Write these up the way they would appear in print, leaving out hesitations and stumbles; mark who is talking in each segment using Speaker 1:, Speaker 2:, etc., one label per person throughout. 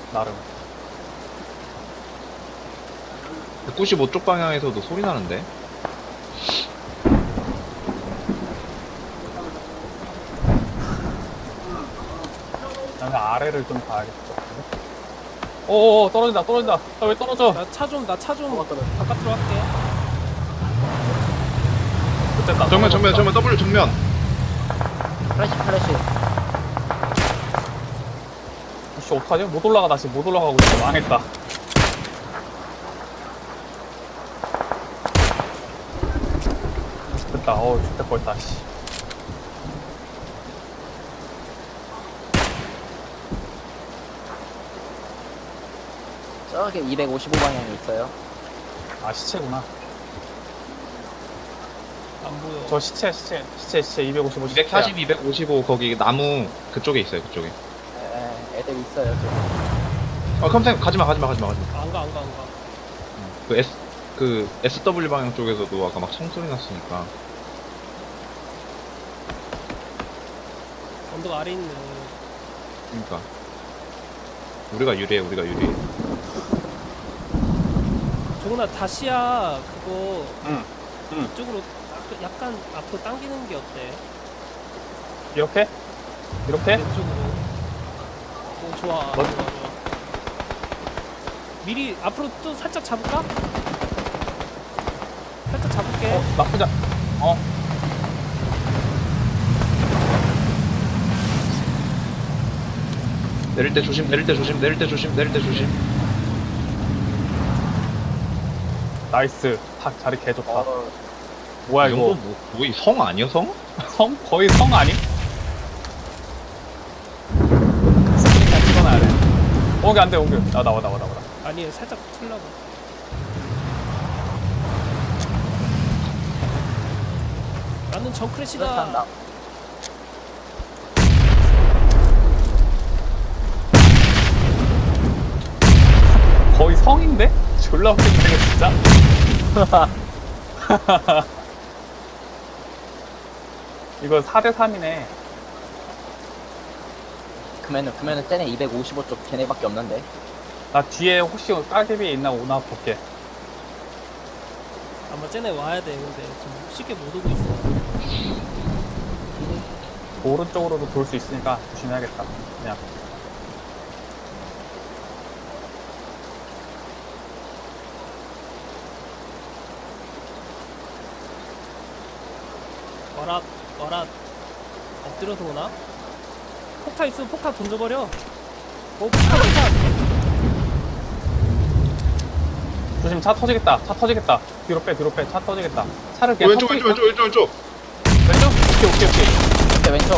Speaker 1: 나름.
Speaker 2: 195쪽 방향에서도 소리 나는데?
Speaker 1: 나는 아래를 좀 봐야겠어. 오오오, 떨어진다, 떨어진다. 아, 왜 떨어져?
Speaker 3: 나 차 좀 바깥으로 할게.
Speaker 1: 됐다.
Speaker 2: 정면 W 정면.
Speaker 4: 플래시.
Speaker 1: 씨, 어떡하지? 못 올라가, 다시 못 올라가고 있어. 망했다. 됐다. 어우, 죽다 뻔했다, 씨.
Speaker 4: 저기 255방향에 있어요.
Speaker 1: 아, 시체구나.
Speaker 3: 안 보여.
Speaker 1: 저 시체 255 시체야.
Speaker 2: 240, 255 거기 나무 그쪽에 있어요, 그쪽에.
Speaker 4: 애들 있어요.
Speaker 2: 컴생 가지마.
Speaker 3: 안 가.
Speaker 2: 그 SW 방향 쪽에서도 아까 막 총소리 났으니까.
Speaker 3: 언덕 아래 있네.
Speaker 2: 그러니까. 우리가 유리해.
Speaker 3: 종훈아, 다시야 그거
Speaker 1: 응.
Speaker 3: 이쪽으로 약간 앞으로 당기는 게 어때?
Speaker 1: 이렇게?
Speaker 3: 왼쪽으로. 오, 좋아.
Speaker 1: 뭐?
Speaker 3: 좋아. 미리 앞으로 또 살짝 잡을까? 살짝 잡을게.
Speaker 1: 나쁘지 않... 어?
Speaker 2: 내릴 때 조심.
Speaker 1: 나이스. 탁 자리 개 좋다. 뭐야
Speaker 2: 이
Speaker 1: 이거?
Speaker 2: 정도 뭐 성 아니야, 성?
Speaker 1: 성? 거의 성 아니? 스크린만 찍어놔야 돼. 옹기 안 돼, 옹기. 나와.
Speaker 3: 아니, 살짝 틀라고. 나는 정크래시다.
Speaker 1: 거의 성인데? 졸라 웃긴데, 이거 진짜? 이거 4대3이네.
Speaker 4: 그러면은 쟤네 255쪽 걔네밖에 없는데.
Speaker 1: 나 뒤에 혹시 따개비 있나 오나 볼게.
Speaker 3: 아마 쟤네 와야 돼. 근데 지금 쉽게 못 오고 있어.
Speaker 1: 오른쪽으로도 돌 수 있으니까 조심해야겠다. 그냥.
Speaker 3: 와라. 엎드려서 오나? 폭탄 있으면 폭탄 던져버려. 폭탄.
Speaker 1: 조심, 차 터지겠다. 뒤로 빼. 차 터지겠다. 차를 그냥
Speaker 2: 왼쪽.
Speaker 1: 왼쪽? 오케이.
Speaker 4: 밑에 왼쪽.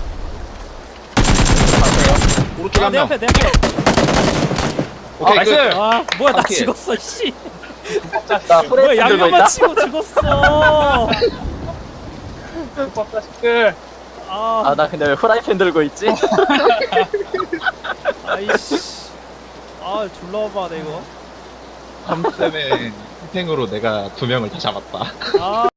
Speaker 4: 봤어요?
Speaker 2: 오른쪽에 한
Speaker 3: 내
Speaker 2: 명.
Speaker 3: 앞에.
Speaker 2: 오케이,
Speaker 1: 나이스!
Speaker 2: 끝.
Speaker 3: 아, 뭐야, 나
Speaker 2: 바퀴.
Speaker 3: 죽었어, 씨.
Speaker 4: 나
Speaker 3: 뭐야,
Speaker 4: 프레임 들고
Speaker 3: 양념만
Speaker 4: 있다.
Speaker 3: 치고 죽었어.
Speaker 1: 밥 자식들.
Speaker 4: 아, 나 근데 왜 프라이팬 들고 있지?
Speaker 3: 아이씨. 아, 졸라 오바네, 이거.
Speaker 2: 컴쌤의 희생으로 내가 2명을 다 잡았다.
Speaker 3: 아.